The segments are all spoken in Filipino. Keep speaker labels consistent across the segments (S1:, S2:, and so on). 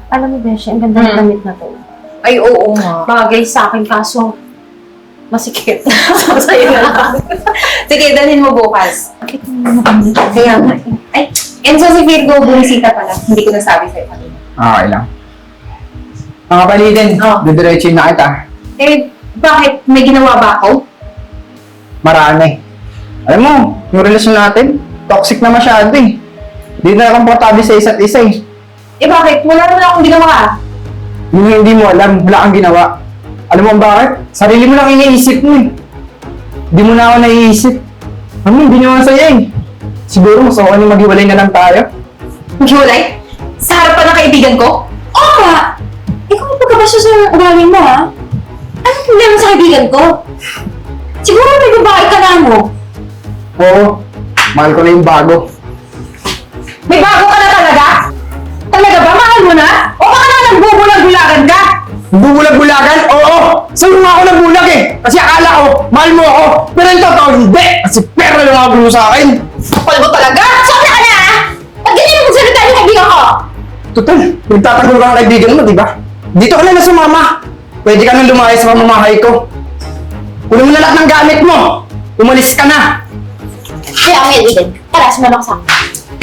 S1: Alam mo, Beshi, ang ganda ng damit na to.
S2: Ay, oo nga.
S1: Bagay sa akin, kaso masikip. Sa'yo na lang.
S2: Sige, dalhin mo bukas.
S1: Bakit mo naman
S2: Kaya nga. Ay, Enzo, si Virgo, bumisita pala. Hindi ko nasabi sa'yo kanina.
S3: Okay lang. Mga palitin, didiretsuin na kita.
S2: Eh, bakit? May ginawa ba ako?
S3: Marami. Alam mo, yung relasyon natin, toxic na masyado eh. Hindi na komportable sa isa't isa eh.
S2: Eh, bakit? Wala naman akong ginawa.
S3: Yung hindi mo alam, wala kang ginawa. Alam mo bakit? Sarili mo lang iniisip mo eh. Hindi mo na ako naiisip. Ano, hindi naman sa'yo eh. Siguro mas okay na maghiwalay na lang tayo.
S2: Maghiwalay? Sa harapan ng kaibigan ko? Oo nga! Ikaw ang pagkabasya sa ugali mo, ha? Anong problema sa kaibigan ko? Siguro may babae ka na mo.
S3: Oo, mahal ko na yung bago.
S2: May bago ka na talaga? Talaga ba? Mahal mo na? O baka na nagbubulag-bulagan ka?
S3: Bubulag-bulagan? Oo! Sa'yo nga ako nagbulag eh! Kasi akala ko, mahal mo ako! Pero yung totoo, hindi! Kasi pera lang ako gulo sa akin!
S2: Kapal mo talaga? Sabi ka na, ha? Pag ganyan mo magsalita yung kaibigan ko!
S3: Total, nagtatanggol ka ng kaibigan mo, di ba? Dito ka na sumama! Pwede ka nang lumayas sa pamamahay ko. Kunin mo na lahat ng gamit mo! Umalis ka na!
S1: Kaya ang Eden, tara, sumunod sa akin.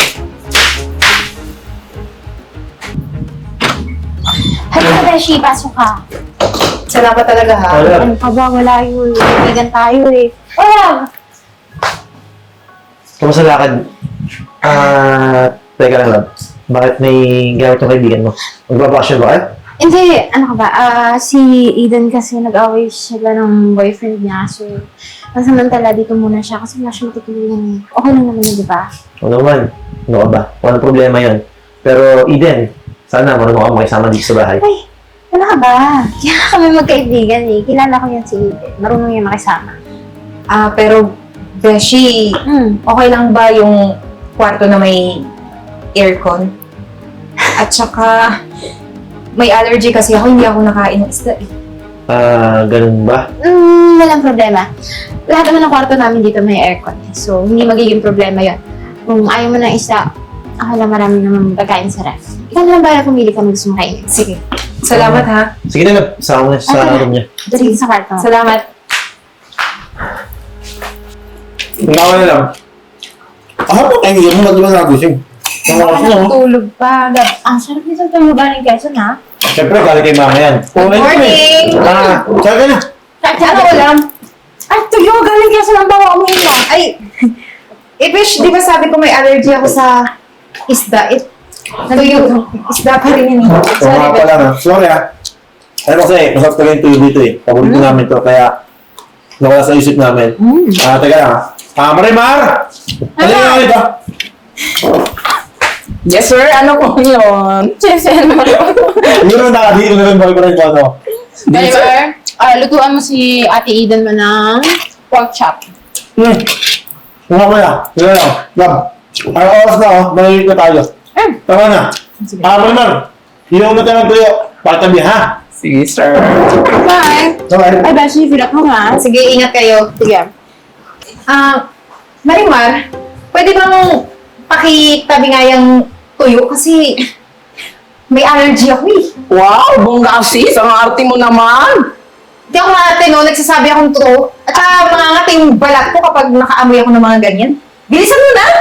S1: Halika, Beshi, pasok ka.
S2: Salamat talaga, ha?
S1: Ano ka ba? Wala yun. Kaibigan tayo eh. Wala!
S4: Kamusta lakad? Teka lang, love. Bakit may gamit yung kaibigan mo? Magbabakasyon ba kayo?
S1: Hindi, ano ka ba? Si Eden kasi nag-away sila ng boyfriend niya. So, pansamantala dito muna siya kasi wala siya matutulungan eh. Okay lang naman yun, di ba?
S4: O naman. Ano ka ba? Walang problema yon. Pero, Eden, sana marunong ka makisama dito sa bahay.
S1: Ay, ano ka ba? Kaya kami magkaibigan eh. Kilala ko yan si Eden. Marunong yan makisama.
S2: Pero, Beshi, okay lang ba yung kwarto na may aircon? At saka, may allergy kasi ako, hindi ako nakain ng isda eh.
S4: Ganun ba?
S1: Walang problema. Lahat naman ng kwarto namin dito may aircon. So, hindi magiging problema yon. Kung ayaw mo ng isda, ako lang marami naman pagkain sa ref. Ikaw na lang ba pumili ka gusto mo kainin?
S2: Sige. Salamat, ha?
S4: Sige na, love. Sama mo na sa room niya.
S1: Dali sa kwarto.
S2: Salamat.
S5: Ngawa na lang. Ako, kaya mo mag-ibang nagising. Ang oras na, oh.
S1: Tulog pa. Ang sarap nito tulugan ng Quezon, ha?
S5: Siyempre, galing kay mama yan.
S2: Good morning!
S5: Saan ka na?
S2: Ano ulam?
S1: Ay, tuyo! Galing Quezon ang bawa mo yun, ha?
S2: Ay, Besh, di ba sabi ko may allergy ako sa isda? Tuyo. Isda pa rin yun.
S5: Ito nga pala na. Sorry ah. Ano kasi, masarap talaga yung tuyo dito eh. Paborito namin to, kaya nawala sa isip namin. Teka lang ah. Marimar! Ano yung ito?
S6: Yes, sir. Ano po yun?
S5: Yun ang nakadito na rin boyfriend ko, ano?
S6: Driver, lutuan mo si Ate Eden mo ng pork chop.
S5: Nga mo na. Yun lang. Lab. Ang oras na oh. Mahilig na tayo. Tama na. Marimar! Yung natin ng tuyo. Patabi ha?
S6: Sige, sir. Bye.
S5: Okay.
S1: Ay, Beshi, fill up mo, ha?
S2: Sige, ingat kayo.
S1: Sige.
S2: Marimar, pwede bang pakitabi nga yung tuyo? Kasi may allergy ako eh.
S6: Wow, bongga sis. Ang arte mo naman.
S2: Hindi ako ate, no? Nagsasabi akong totoo. At saka mangangati yung balat ko kapag nakaamoy ako ng mga ganyan. Bilisan mo na!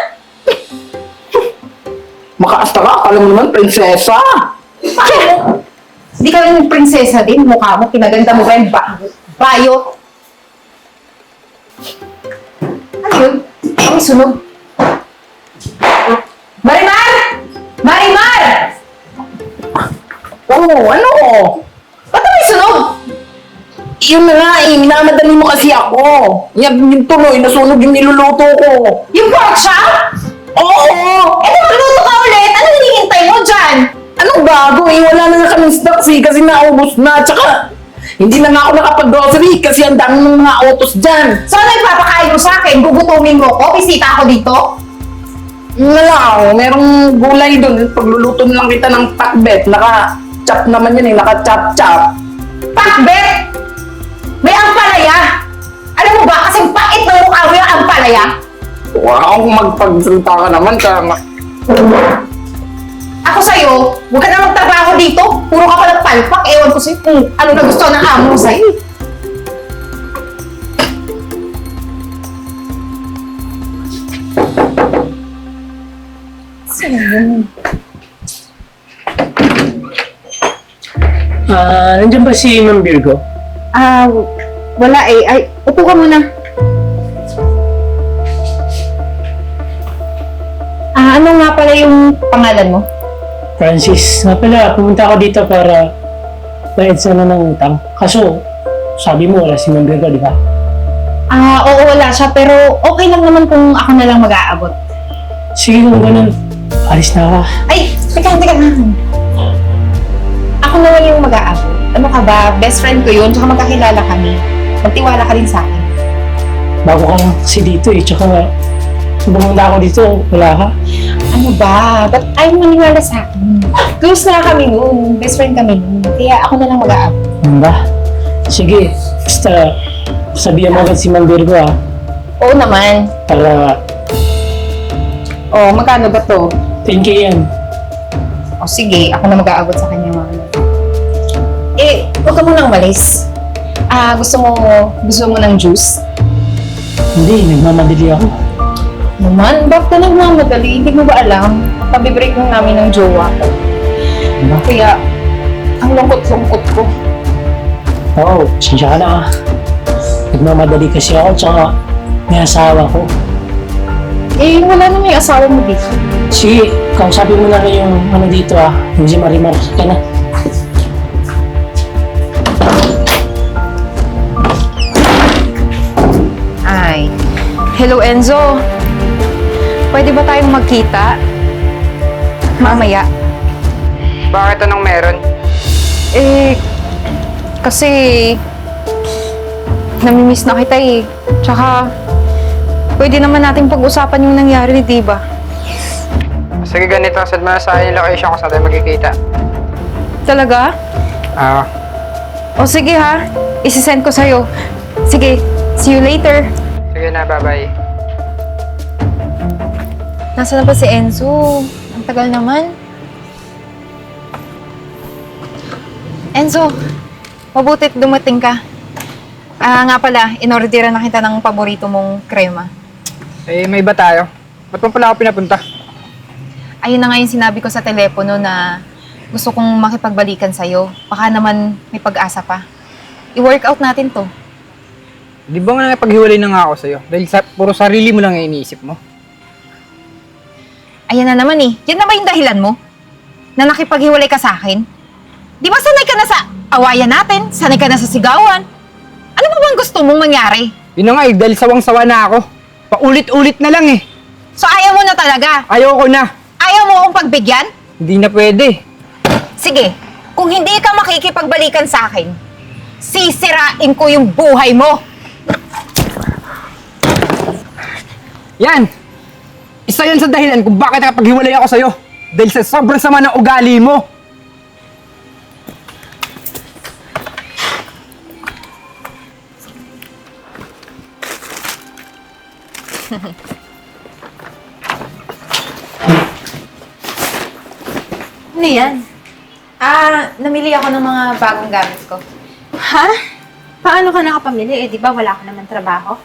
S6: Makaasta ka. Akala mo naman, prinsesa.
S2: Bakit? Hindi ka rin prinsesa din. Mukha mo, pinaganda mo ba yung bayo? Ano yun? Ang sunog. Marimar! Marimar!
S6: Oh, ano?
S2: Ba't may sunog?
S6: Yun na nga eh. Minamadali mo kasi ako. Yan yung tuloy. Nasunog yung niluluto ko.
S2: Yung pork chop?
S6: Oo!
S2: Eh, magluto ka ulit! Ano hinihintay mo dyan?
S6: Anong bago eh? Wala na nga kaming stocks eh. Kasi naubos na. Tsaka, hindi na nga ako nakapag-grocery kasi ang dami ng mga autos dyan.
S2: So, ano ipapakain mo sa akin? Gugutumin mo ko? Bisita ako dito?
S6: Wala, merong gulay doon. Pagluluto na lang kita ng pakbet. Naka-chop naman yun eh. Naka-chop-chop.
S2: Pakbet! May ampalaya! Alam mo ba, kasing pait ng mukha mo yung ampalaya?
S6: Wow, magpagsalita ka naman.
S2: Ako sa'yo, huwag ka na magtrabaho dito! ko sa'yo kung ano na gusto ng amo mo sa'yo.
S7: Nandiyan ba si Ma'am Virgo?
S2: Wala eh. Ay, upo ka muna. Ano nga pala yung pangalan mo?
S7: Francis, nga pala, pumunta ako dito para bayad sana ng utang. Kaso, sabi mo wala si Ma'am Virgo, di ba?
S2: Oo, wala siya. Pero okay lang naman kung ako na lang mag-aabot.
S7: Sige kung ganun, alis na ako.
S2: Ay, teka na. Ako na lang yung mag-aabot. Ano ka ba? Best friend ko yun, tsaka magkakilala kami. Magtiwala ka rin sa akin.
S7: Bago ka lang kasi dito eh, tsaka nung pumunta ako dito, wala ka.
S2: Ano ba? Ba't ayaw maniwala sa akin? Close na kami noon. Best friend kami noon. Kaya ako na lang mag-aabot.
S7: Ano ba? Sige, basta sabihan mo agad si Ma'am Virgo
S2: Oo naman.
S7: para
S2: Magkano ba to?
S7: 10K yan.
S2: Sige. Ako na mag-aabot sa kanya mga huwag ka munang umalis. Gusto mo ng juice?
S7: Hindi, nagmamadali ako.
S2: Naman, bakit ka nagmamadali? Hindi mo ba alam? Pabibreak lang namin ng jowa ko.
S7: Ano?
S2: Kaya, ang lungkot-lungkot ko.
S7: Oo, sinsya ka na nagmamadali kasi ako, tsaka may asawa ko.
S2: Wala na may asawa mo dito.
S7: Sige, kausapin mo na rin yung ano dito yung si Marimar ka na.
S2: Hello, Enzo. Pwede ba tayong magkita? Mamaya.
S3: Bakit anong meron?
S2: Kasi namimiss na kita eh. Tsaka, pwede naman natin pag-usapan yung nangyari, di ba?
S3: Sige ganito, send mo na sa akin yung location kung saan tayo magkikita.
S2: Talaga? Sige ha. Isisend ko sa'yo. Sige, see you later.
S3: Sige na, bye-bye.
S2: Nasaan na ba si Enzo? Ang tagal naman. Enzo, mabutit dumating ka. Nga pala, inorderan na kita ng paborito mong krema.
S3: May iba tayo. Ba't mo pala ako pinapunta?
S2: Ayun na nga yung sinabi ko sa telepono na gusto kong makipagbalikan sa'yo. Baka naman may pag-asa pa. I-workout natin to.
S3: Di ba nga napaghiwalay na nga ako sa'yo? Dahil puro sarili mo lang yung iniisip mo.
S2: Ayan na naman eh. Yan na ba yung dahilan mo? Na nakipaghiwalay ka sa akin? Di ba sanay ka na sa awayan natin? Sanay ka na sa sigawan? Ano mo bang gusto mong mangyari?
S3: Yun na nga dahil sawang-sawa na ako. Paulit-ulit na lang eh.
S2: So ayaw mo na talaga?
S3: Ayoko na.
S2: Ayaw mo akong pagbigyan?
S3: Hindi na pwede.
S2: Sige, kung hindi ka makikipagbalikan sa akin, sisirain ko yung buhay mo!
S3: Yan! Isa yan sa dahilan kung bakit nakapaghiwalay ako sa'yo. Dahil sa sobrang sama ng ugali mo.
S2: Ano yan? Namili ako ng mga bagong gamit ko.
S1: Ha? Paano ka nakapamili? Di ba wala ka naman trabaho?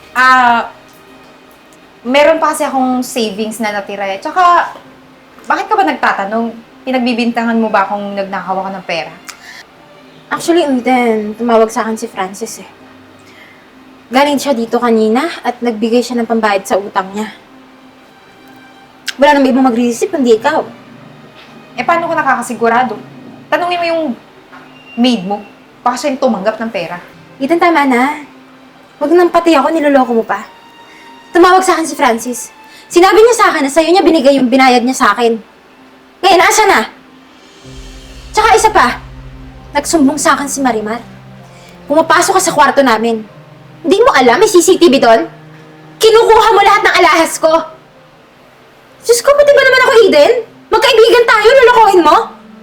S2: Meron pa kasi akong savings na natira eh. Tsaka, bakit ka ba nagtatanong? Pinagbibintangan mo ba akong nagnakaw ako ng pera?
S1: Actually, Uden, tumawag sa akin si Francis eh. Galing siya dito kanina at nagbigay siya ng pambayad sa utang niya. Wala nang ibang mag-receive, hindi ikaw.
S2: Paano ko nakakasigurado? Tanungin mo yung maid mo. Baka siya yung tumanggap ng pera.
S1: Eden, tama na. Huwag nang pati ako, niloloko mo pa. Tumawag sa akin si Francis. Sinabi niya sa akin na sa'yo niya binigay yung binayad niya sa akin. Ngayon, asa na? Tsaka isa pa, nagsumbong sa akin si Marimar. Pumapasok ka sa kwarto namin. Hindi mo alam, may CCTV doon? Kinukuha mo lahat ng alahas ko. Diyos ko, pati ba naman ako, Eden? Magkaibigan tayo, lolokohin mo?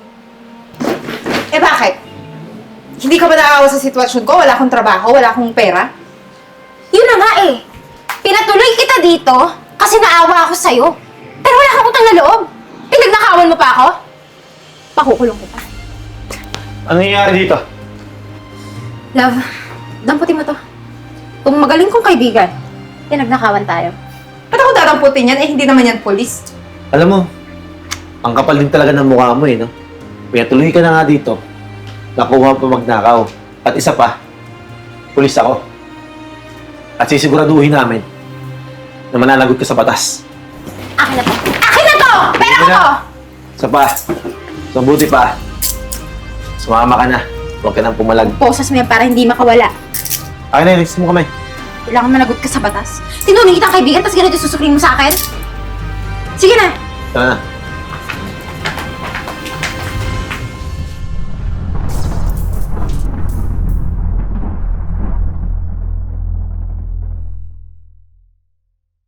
S2: Bakit? Hindi ka ba naawa sa sitwasyon ko? Wala akong trabaho, wala akong pera?
S1: Yun na nga eh. Pinatuloy kita dito kasi naawa ako sa'yo. Pero wala kang utang na loob. Pinagnakawan mo pa ako? Pakukulong kita.
S4: Ano nangyayari dito?
S1: Love, damputin mo to. Kung magaling kong kaibigan, nagnakawan tayo.
S2: Ba't ako dadamputin yan? Eh, hindi naman yan polis.
S4: Alam mo, ang kapal din talaga ng mukha mo eh, no? Kaya tuloy ka na nga dito. Nakuha pa magnakaw. At isa pa, pulis ako. At sisiguraduhin namin na mananagot ka sa batas.
S1: Akin na to! Akin na to! Pera ko to!
S4: Isa pa, so buti pa, sumama ka na. Huwag ka nang pumalag.
S1: Posas mo yan para hindi makawala.
S4: Akin na, ilis mo kamay.
S1: Kailangan managot ka sa batas. Tinulong kitang kaibigan, tapos ganito susukling mo sa akin? Sige na!
S4: Tara na.